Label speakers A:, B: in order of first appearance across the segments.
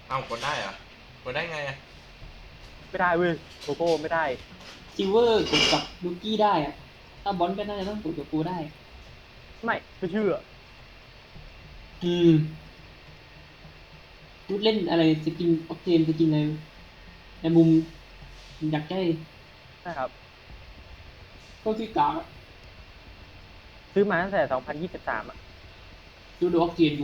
A: เอากดได้เหรอกดได้ไงอะ
B: ไม่ได้เว้ยโกโก้ไม่ได้
C: ซิลเวอร์กดกับลูกี้ได้อะถ้าบอลก็น่าจะต้องกดกับกูได้
B: ไม่เชื่อ
C: อืมพูดเล่นอะไรสกินออกเทนสกินอะไรในมุมอยากได้
B: ใช่ครับ
C: ก็คือกากอะ
B: ซื้อมาตั้งแต่2023อ่ะ
C: ดูออกเทนกู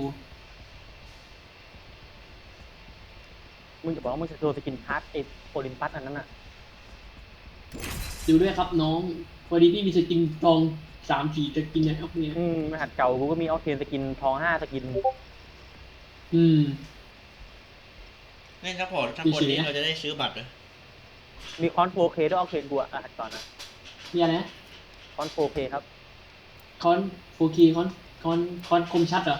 B: มึงจะบอกว่ามึงจะโชว์สกินพาร์ทเอโอลิมปัสอันนั้นอ่ะ
C: ดูด้วยครับน้องพอดีพี่มีสกินทอง3 สีสกินเนี่ยออกเนี่ย
B: รหัสเก่ากูก็มีออเทนสกินทอง5สกิน
C: อืม
A: เล่นซัพพอร์ตถ้าคนนี้เราจะได้ซื้อบัตรเหรอ
B: มีคอน 4K ด้วยออเทนกูอะรหัสก่อนนะ
C: มีอะไรนะ
B: คอน 4K ครับ
C: คอน 4K คอนคมชัดเหรอ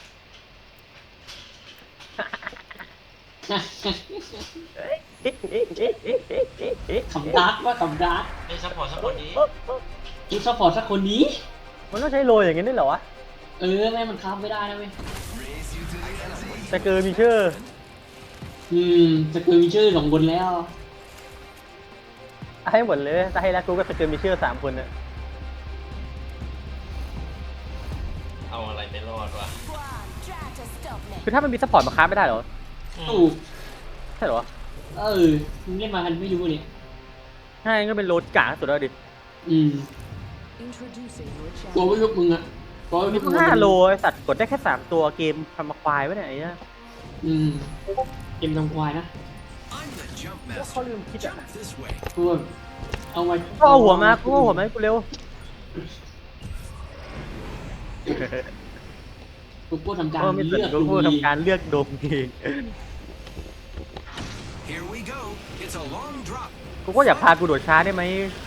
C: ขำดาร์กว่าขำดาร์ก
A: เล่นซัพพอร์ตสักคนนี้
C: คิดซัพพอร์ตสักคนนี้
B: มันต้องใช้โรยอย่างงี้ด้วยเหรอวะ
C: แม่มันค้าไม่ได้นะเว้ย
B: แต่เกินมีชื่อ
C: จะเกินมีชื่อ2 คนแล้ว
B: ให้หมดเลยถ้าให้แล้วกูก็จะเกินมีชื่อ3 คนเนี่ย
A: เอาอะไรไปรอดวะ
B: คือถ้ามันมีซัพพอร์ตมาค้าไม่ได้เหรอ
C: ถูก
B: ใช่เหรอ
C: มึงเล่นมากันไม่รู้เนี่ย
B: ใช่ก็เป็นโรดกากสุดแล้วดิ
C: ตัวไม่ยุบมึงอะตัวไม่
B: มี
C: ยุบมึง
B: 5 โลไอสัตว์กดได้แค่3 ตัวเกมทำมาควายไว้เนี่ยไอ้เนี่ย
C: เกมทำควายนะ
B: เขาลืมคิดอ่ะ
C: กูเอาไว้
B: ก็เอาหัวมากูเอาหัวมาให้กูเร็ว
C: กูทำการ
B: ไม่สน
C: เลือก
B: กูทำการเลือกดมเองกูก็อยากพากูโดดช้าได้ไหม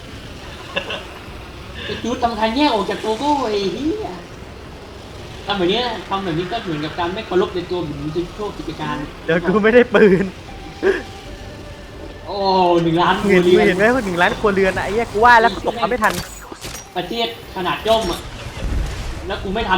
C: ไอ้จูดทำการแยกออกจากตัวกูไอ้นี่ทำแบบนี้ก็เหมือนกับการไม่เคารพในตัวเหมือนจะโชคกิจการ
B: เดี๋ยวกูไม่ได้ปืน
C: โอ้1 ล้าน
B: เงินกูเห็นไหมว่า1 ล้านครัวเรือนอะไอ้เหี้ยกูว่าแล้วตกเขาไม่ทัน
C: ประเทศขนาดย่อมอ่ะแล้วกูไม่ทัน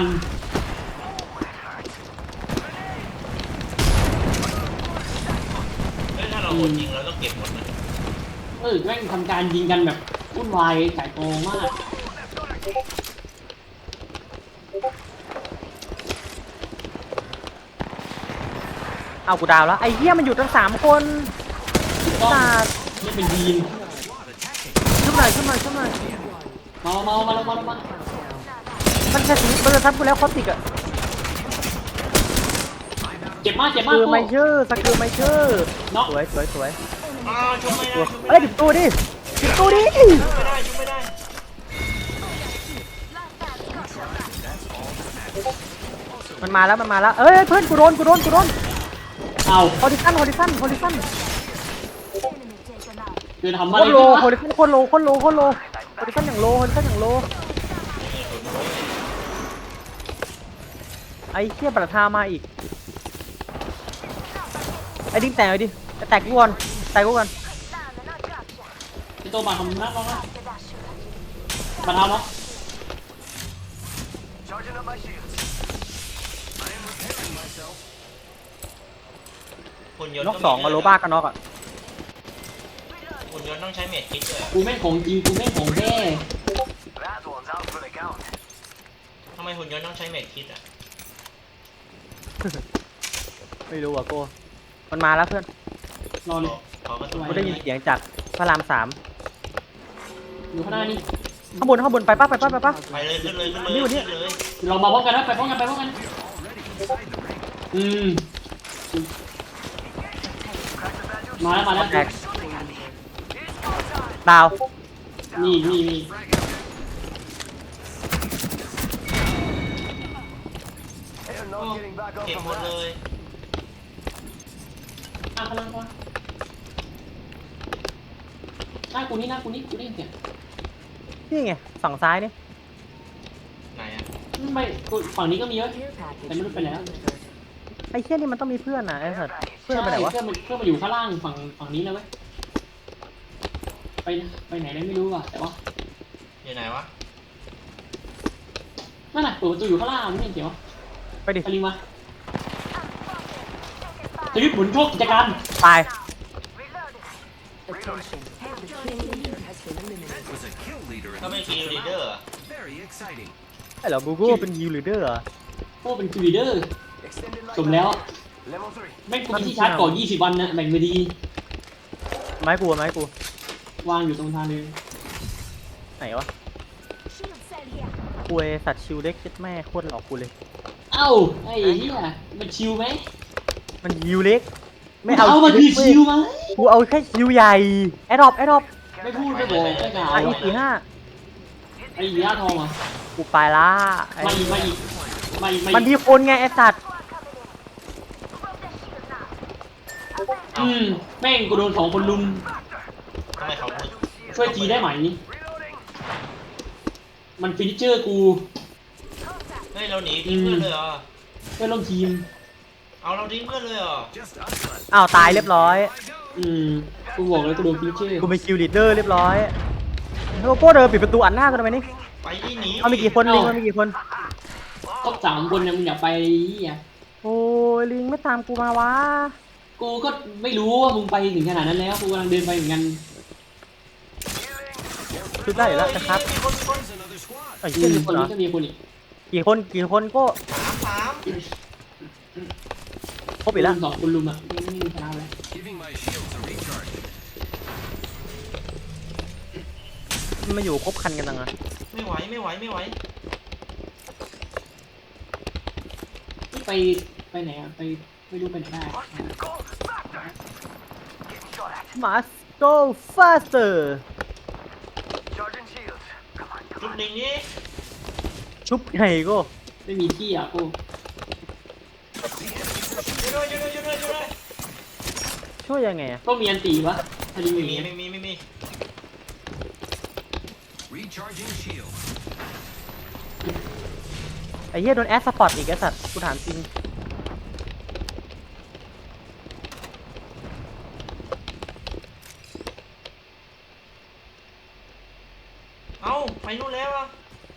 A: ถ้าเราโหดจริงเราต้องเก็บหมดนะ
C: แม่งทำการยิงกันแบบวุ่นวายไก่โตมาก
B: เอากูดาวแล้วไอ้เหี้ยมันอยู่ตั้ง3 คน
C: ก็นี่เป็นทีม
B: ขึ้นมามามันจะถึงมันจะทับกูแล้วคอติกอะ
C: เจ็บมาก
B: คือไม่เชื่อสกิลไม่เชื่อสวย
A: ชุบไม่ได้
B: เอ้ยดิบตัวดิ
A: ไม่ได้ชุบไม่ได้
B: มันมาแล้วเอ้ยเพื่อนกูโดน
C: เอา
B: ฮอริซัน
C: คือทำ
B: โค
C: อะไร
B: ตรโลฮอริซันโคตรโลฮอริซันอย่างโลไอ้เชี่ยประทามาอีกไอ้ดิ้งแตกเลยดิแตกกูก่อน
C: ไอ้ตัวบาทำนักร้องนะบาทเอาเนาะ
B: น็อก2กับโลบ้ากันน็อกอ่ะ
A: หุ่นยนต์ต้องใช้เมจคิดด้วย
C: กูแม่งของจริงกูแม่งของแท้
A: ทำไมหุ่นยนต์ต้องใช้เมจคิดอ่ะ
B: ไม่รู้อ่ะโก้มันมาแล้วเพื่อน
C: รอเลย
B: กูได้ยินเสียงจากพระราม3
C: อยู่ข้างหน้านี่
B: ข้างบนไปป่ะ
A: ไปเลยขึ้นเลย
C: เรามาพร้อมกันนะไปพร้อมกันมาแล้ว
B: ดาว
C: นี่
A: เก็บหมดเลย
C: พลังก่อนหน้ากูนี่กูได้เสียง
B: นี่ไงฝั่งซ้ายนี่
A: ไหนอ่ะ
C: ไม่ฝั่งนี้ก็มีเยอะแต่ไม่รู้ไปแล้ว
B: ไอ้เชี่ยนี่มันต้องมีเพื่อนนะไอ้สัตว์เพื่อนไปไหนวะ
C: เพื่อนมาอยู่ข้างล่างฝั่งนี้แล้วไหมไปไหนได้ไม่รู้อ่ะแต่ว่า
A: อยู่ไหนวะ
C: นั่นน่ะเปิดประตูอยู่ข้างล่างไม่เห็นเสียว
B: ไปดิ
C: ลิงมาชีวิตหมุนโชคกิจการ
B: ตาย
D: Attention. The kill leader has been eliminated.
E: Was a kill leader
A: ก็
E: in
A: เป็น
E: the
A: คิวลีเดอร์
E: Very exciting.
B: ไอ้เหรอกูก็เป็นยูริเดอร์เหรอ
C: พวกเป็นคิวลีเดอร์ สมแล้ว แม่งกูมีที่ชาร์จก่อน20 วันนะแบ่งไปดี
B: ไม้กู
C: วางอยู่ตรงทางเลย
B: ไหนวะคุยสัตว์ชิวเล็กเจ็ดแม่โคตรหลอกกูเลย
C: เอ้าไอ้เหี้ยมันชิวไหม
B: มันยิวเล็ก ไม่
C: เอา
B: เอา
C: มาคือชิวไหม
B: กูเอาแค่ชิวใหญ่แอดดอป
C: ไม่พูดไม่บอกไม่กล่าว
B: อีสี่ห้า
C: ไอ้เหี้ยทองอ่ะ
B: กูไปละไอ้
C: มาอีกมา
B: มันมีคนไงไอ้สัตว์
C: แม่งกูโดน2 คนลุม
A: ทำไมเขา
C: ช่วยจีได้ไหม มันฟินิชเจอร์กู
A: เฮ้ยเราหนีทิ้งเพื่อนเลยเหรอ
C: เพื่อนร่วมทีม
A: เอาเราทิ้งเพื่อนเลยเหรอ
E: Just us left.
B: อ้าวตายเรียบร้อย
C: กูบอกเลยกูโดนฟินิชเจอร์
B: กูเป็นคิวลีดเดอร์เรียบร้อยโลโก้เดินปิดประตูอัดหน้ากูทำไมนี่
A: ไปที่หนี
B: เอามีกี่คนลิงมันมีกี่คน
C: ครบ3 คนเนี่ยมึงอย่าไปเหี้ย
B: โอ้ยลิงไม่ตามกูมาวะ
C: กูก็ไม่รู้ว่ามึงไปถึงขนาดนั้นแล้ว กูกำลังเดินไปเหมือนกัน
B: ชุดได้อยู่แล้วนะครับ
A: มีคน
E: There's another squad.
B: ไอ้เหี้ย
C: มี
B: มี
C: ค
B: คน นเหร
C: นี้
B: อ
C: ก็มีคนอีก
B: กี่คนก็
A: สาม
B: ครบอีกแล้ว
C: 2 คนลุมอ่ะไม่มีชนะแล้ว
E: Giving my shields a recharge.
B: มันมาอยู่ครบคันกันจังอะ
A: ไม่ไหว
C: ที่ไปไหนอ่ะไปไม่รู้ไปไหนได้
B: มาสโตฟาสเตอร์
A: จุดหนึ่งนี้
B: ชุบไงก็
C: ไม่มีที่อ่ะกู
A: ช่วยด้วย
B: ช่วยยังไงอะ
C: ต้องมีอันตีวะถ้าดี
A: ไม่
C: ไม่
A: มี
C: มี
A: ไม่มี
E: Recharging shields.
B: ไอ้เหี้ยโดนแอสสปอร์ตอีกไอ้สัตว์กูถามจริง
A: เอ้าไปนู่นแล้วอ่ะ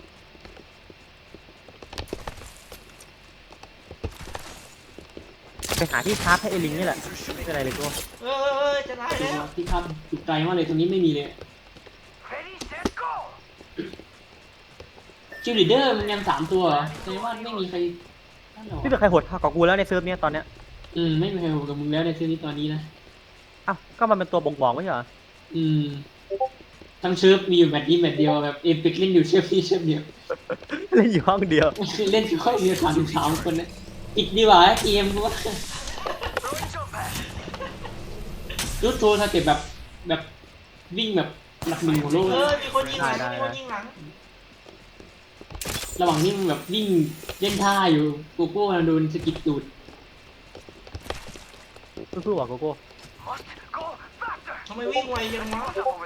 B: ไปหาที่ชาร์จให้ไอ้ลิงนี่แหละไม่เป็นไรเลยกู
A: เออจะตายแล้ว
C: ที่ครับจุดไกลมากเลยตรงนี้ไม่มีเลยคิวลีดเดอร์มันยัง3 ตัวเหรอแสดงว่าไม่มีใครนั่นหรอ
B: ไม่เป็นใครโหดเท่ากับกูแล้วในเซิร์ฟเนี้ยตอนเนี้ย
C: ไม่มีใครโหดกับมึงแล้วในซีรีส์ตอนนี้นะ
B: อ้าวก็มันเป็นตัวบ่งบอกไม่ใช่เหรอ
C: ทั้งเชิร์ฟมีอยู่แมตช์นี้แมตช์เดียวแบบเอพิกเล่นอยู่เชิร์ฟนี้เชิร์ฟเดียว
B: เล่นอยู่ห้องเดียว
C: เล่นอยู่ค่อยเดียว3 คนนะอีกดีกว่าเกมกูว่ารูดโทรถ้าเกิดแบบวิ่งแบบหลัก 1ของโลก
A: มีคนยิงหลังมีคนยิงหลัง
C: ระหว่างนี้มึงแบบวิ่งเล่นท่าอยู่โกโก้โดนสกิดตูด
B: สู้ๆว่ะโกโก้
A: ทำไมวิ่งไวจังวะ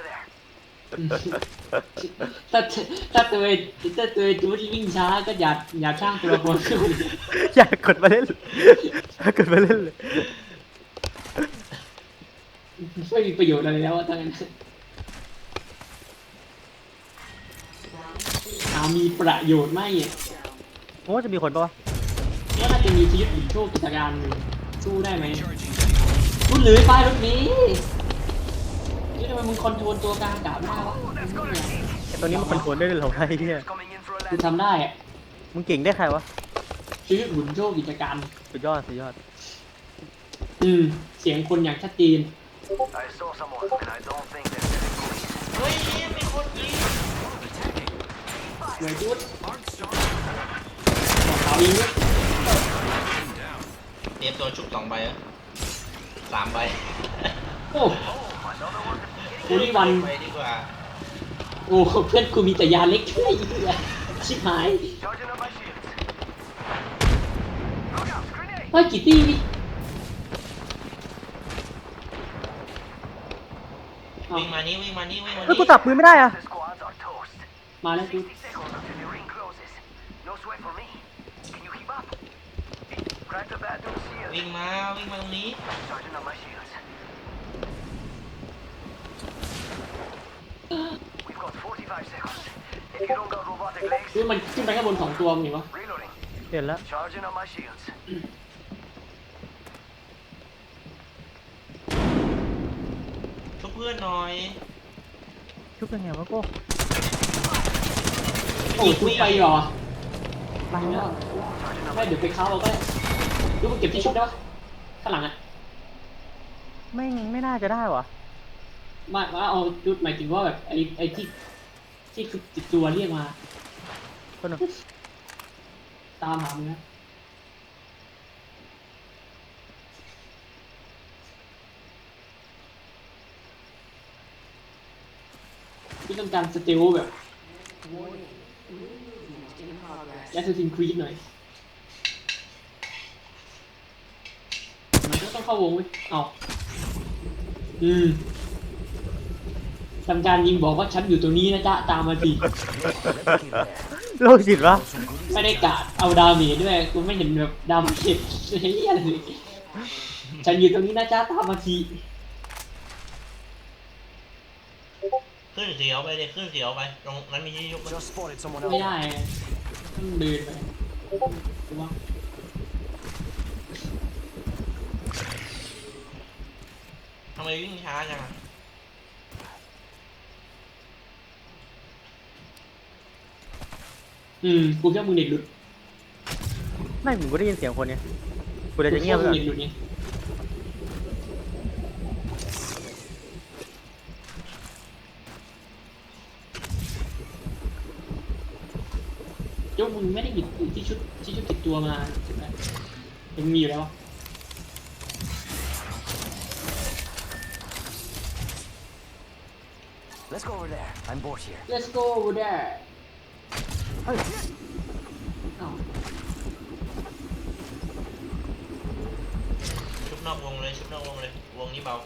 C: ถ้าตัวจูดวิ่งช้าก็อย่าช่างตัวละครขึ้น
B: อยากกดมาเล่นอยากกดมาเล่นเลย
C: ไม่มีประโยชน์อะไรแล้วทั้งนั้นมีประโยชน์ไหมอ่ะ
B: โอ้จะมีคนปะวะ
C: ว่าน่าจะมีชีวิตหรือโชคกิจการสู้ได้ไหม
E: Recharging shields.
C: รุ่นหรือป้ายรถนี้นี่ทำไมมึงคอนโทรลตัวกลางอากาศไม่ได้วะ
B: ไอ้ตัวนี้มันคอนโทรลได้เลยเหรอไอ้เหี้ย
C: กูทำได้อ่ะ
B: มึงเก่งได้ใครวะ
C: ชีวิตหมุนโชคกิจการ
B: สุดยอด
C: เสียงคนอย่างชัดเจน
A: เฮ้ยมีคนยิง
C: เหนื่อยจุด
E: Arc star
C: บอกเขาอีกด้วย
E: down.
A: เตรียมตัวชุบ2 ใบแล้ว3 ใบ
C: โอ้โหนี่วัน
A: ไปดีกว่า
C: โอ้เพื่อนกูมีแต่ยาเล็กไอ้เหี้ยชิบหายว่ากี่ตี้นี่เอา
A: วิ่งมานี่
B: เฮ้ยกูจับปืนไม่ได้อะ
C: มาแล้วกู
A: วิ่งมาตรงนี้
C: คือมันขึ้นไปข้างบน2 ตัวมึงเห็นปะ
B: เห็นแล้ว
A: เพื่อนหน่อย
B: ชุบยังไงวะโก้
C: โอ้ชุบไปเหรอ
B: ไปแล้ว
C: ไม่เดี๋ยวไปเข้าเอาก็ได้ดูมึงเก็บที่ชุบได้ปะข้างหลังอ่ะ
B: ไม่น่าจะได้วะ
C: มาเอาจุดหมายถึงว่าแบบไอ้ที่คือติดตัวเรียกมา
B: คนหนึ่ง
C: ตามหามึงนะที่ต้องการสเตลแบบแอสซิสซินครีดหน่อยมันก็ต้องเข้าวงเว้ยเอาทำการยิงบอกว่าฉันอยู่ตรงนี้นะจ๊ะตามมาสิ
B: โลกจิตวะ
C: ไม่ได้กะเอาดาเมจด้วยกูไม่เห็นแบบดาเมจอะไรเลยฉันอยู่ตรงนี้นะจ๊ะตามมาที
A: ขึ้นเสียวไปเลยขึ้นเสียวไปตรงนั้นมีที่ยุบไหม
E: Just spotted someone
C: ไม่
E: else.
C: ได้ต้องเดินไปกูว่า
A: ทำไมวิ่งช้าจังอะ
C: กูแค่มึงเน็ตหลุด
B: ไม่ผมก็ได้ยินเสียงคนเนี่ยกูเลยจะเงียบไปก่อน
C: เน็ตหลุดไงยกมึงไม่ได้หยิบที่ชุดติดตัวมาใช่ไหมยังมีอยู่แล้ว
E: Let's go over there. I'm bored here.
C: Let's go over there เฮ้ยเอ้า
A: ชุบนอกวงเลยชุบนอกวงเลยวงนี้เบาว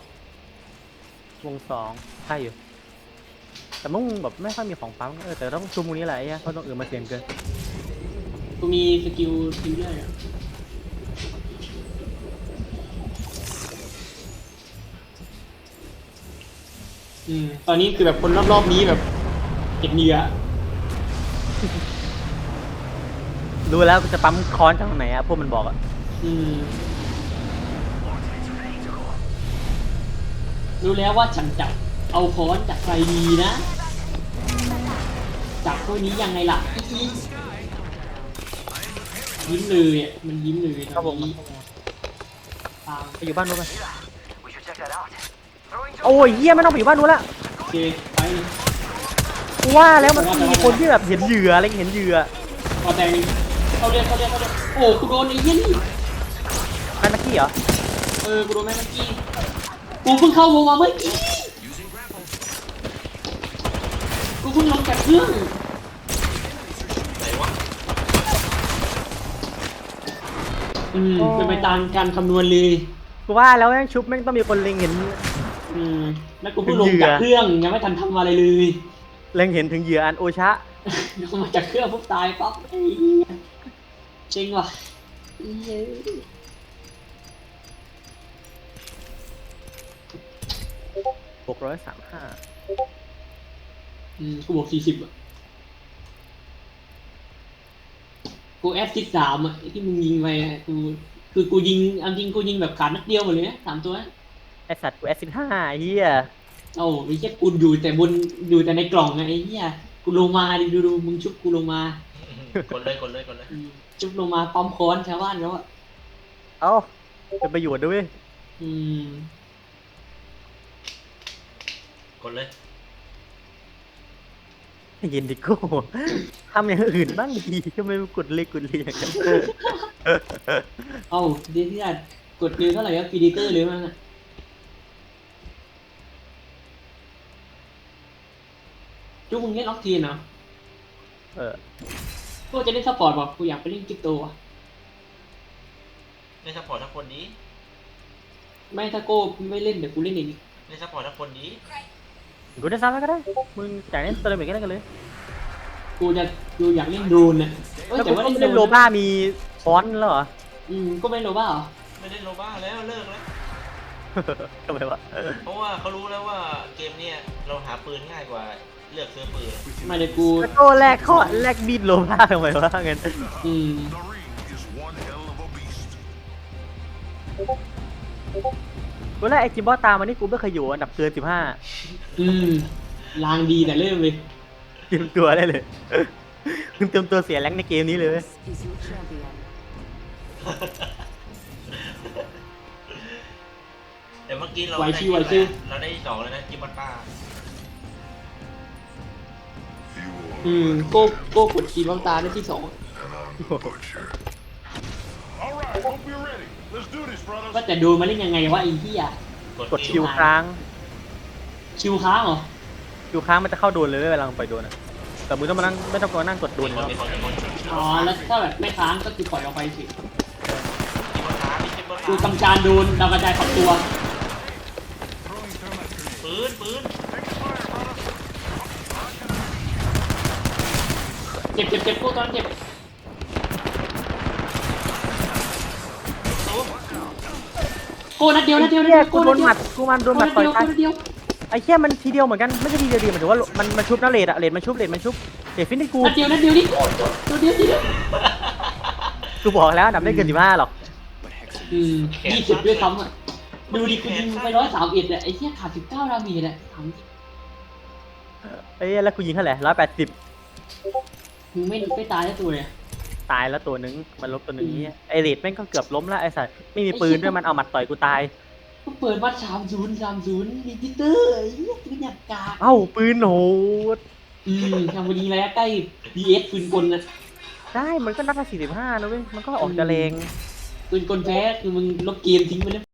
B: งสองใช่อยู่แต่มึงแบบไม่ค่อยมีของปั๊มแต่ต้องชุมตรงนี้แหละไอ้เหี้ยเพราะตรงอื่นมาเสี่ยงเกิน
C: กูมีสกิลเรื่อยอะตอนนี้คือแบบคนรอบๆนี้แบบเก็บเหยื่อ
B: รู้แล้วจะปั๊มค้อนจากตรงไหนอะพวกมันบอกอะ
C: รู้แล้วว่าฉันจะเอาค้อนจากใครดีนะจากพวกนี้ยังไงล่ะอียิ้มเลยอ่ะมันยิ้มเลย
B: ครับผม
C: ตาม
B: ไปอยู่บ้านนู้นไปโอ้ยเหี้ยไม่ต้องไปอยู่บ้านนู้นละ
C: โอเคไปเลย
B: กูว่าแล้วมันต้องมีคนที่แบบเห็นเหยื่ออะไรเห็นเหยื่อ
C: พอแตงเขาเรียกโอ้กูโดนไอ้เหี้ยนี่
B: แมนนักกี้เหรอ
C: กูโดนแม่เมื่อกี้กูเพิ่งเข้าวงมาเมื่อกี้
E: Using grapple.
C: กูเพิ่งลงจากเครื่อง
A: ไหนวะ
C: เป็นไปตามการคำนวณเลย
B: กูว่าแล้วแม่งชุบแม่งต้องมีคนเล็งเห็น
C: แล้วกูเพิ่งลงจากเครื่องยังไม่ทันทำอะไรเลย
B: เล็งเห็นถึงเหยื่ออันโอชะ
C: ลงมาจากเครื่องปุ๊บตายปั๊บไอ้เหี้ยจริงว่ะเย้
B: 635
C: กูบอก40อ่ะกูแอสซิสต์3อ่ะไอ้ที่มึงยิงไปอ่ะกูยิงเอาจริงกูยิงแบบขาดนัดเดียวหมดเลยนะ3ตัวนะ
B: ไอสัตว์กูแอสซิด5เฮีย
C: โอ้ไอ้เหี้ยกูอยู่แต่ในกล่องไงไอ้เหี้ยกูลงมาดิดูมึงชุบกูลงมาก
A: ดเลยกดเลยกดเลย
C: ชุบลงมาปั๊มค้อนชาวบ้านแล้วอ่ะ
B: เอ้าเป็นประโยชน์ด้วย
A: กดเลย
B: เย็นดิโก้ทำอย่างอื่นบ้างดีทำไมกดเล็กกดเรียงกัน
C: เอ้าเดี๋ยวที่กดเร็วเท่าไหร่ครับพีดีเตอร์เลยมั้งอ่ะจุ๊กมึงเล่นล็อกทีนเหรอ กูจะเล่นสปอร์ตป่ะกูอยากไปเล่นกิ๊กโตอ่ะ
A: เล่นซัพพอร์ตทั้งคนดี
C: ไม่ถ้าโก้ไม่เล่นเดี๋ยวกูเล่นเอง
A: เล่นซัพพอร์ตทั้งคนดี
B: กูได้ซ้ำก็ได้มึงจ่ายเล่นเตอร์เมกันได้กันเลย
C: กูอยากเล่นโดรนนะเอ้ย
B: แล้ว
C: แต่
B: กู
C: ว่า
B: ก็
C: เล่น
B: เล่น
C: โด
B: โล
C: รน
B: บ้ามีค้อนแล้วเหรอ
C: ก็ไม่เล่นโลบ้าเหรอ
A: ไม่เล่นโลบ้าแล้วเลิกแล้ว
B: ทำไมวะ
A: เพราะว่าเขารู้แล้วว่าเกมเนี้ยเราหาปืนง่ายกว่าเลือกซื้อปืน
C: ไม่เดี๋ยวกู
B: แล้วก็แลกข้อแลกบีดโลบ้าทำไมวะงั้น
C: อืม
E: The ring is one hell of a beast.
B: กูแรกไอ้จิมบอสตามมานี่กูไม่เคยอยู่อันดับเกิน15
C: อืมลางดีแต่เริ่มเลย
B: เตรียมตัวได้เลยมึงเตรียมตัวเสียแรงในเกมนี้เลยเว้ย
D: This is your champion.
A: แต่เมื่อกี้เรา
C: ไหว
A: ได้
C: ชิวไหวชิว
A: เราได้ที่สองแล้วนะจิมบัตต้า
C: โก้กดคีย์บ้างตาได้ที่2
F: All right, hope you're ready. Let's do this,
C: ว่า
F: brothers.
C: แต่โดนมาเล่นยังไงวะไอ้ที่อ่ะ
B: กดคิวค้าง
C: ชิวค้างเหรอ
B: คิวค้างมันจะเข้าโดนเลยเว้ยเวลามึงปล่อยโดนอะแต่มึงต้องมานั่งไม่ต้องมานั่งกดโดน
A: มี
B: แล้ว
A: คน
C: อ๋อแล้วถ้าแบบไม่ค้างก็คือปล่อยออกไปสิ
A: จิมบัตต้ามีจิมบัต
C: กู
A: ต้า
C: ทำการโดนดาวกระจายฝักตัว
F: Throwing thermite grenade.
A: ปืน
F: Taking fire, brothers.
C: เจ็บโก้ตอนเจ็บ โก้นัดเดียว
B: เหี้ยกูโดนหมัดกูมันโดนหมัดต่อยตาย
C: นัดเดียว
B: ไอ้เหี้ยมันทีเดียวเหมือนกันไม่ใช่ทีเดียวดีหมายถึงว่ามันชุบนะเลดอะเลดมันชุบเลดฟินให้กู
C: นัดเดียวนี่โก้ตัวเดียวทีเดียว
B: กูบอกแล้วอันดับไม่เกิน15หรอก
C: 20ด้วยซ้ำอ่ะดูดิกูยิงไป131อ่ะไอ้เหี้ยขาด19ดาเมจอ่ะถามจริง
B: ไอ้เหี้ยแล้วกูยิงเท่าไหร่180
C: มึงไม่ตายได้ตัวเลย
B: ตายแล้วตัวนึงมันลบตัวนึงเนี่ยไอเลดแม่งก็เกือบล้มแล้วไอ้สัสไม่มีปืนด้วยมันเอาหมัดต่อยกูตาย
C: ก็เปิดวัด30ลิจิเตอร์ไอ้เหี้ยปืนหยักกาก
B: เอ้าปืนโหด
C: ทำวันนี้ระยะใกล้ DS ปืนกลนะ
B: ได้มันก็นัดละ45นะเว้ยมันก็ออกจะแรง
C: ปืนกลแพ้คือมึงลบเกมทิ้งไปแล้ว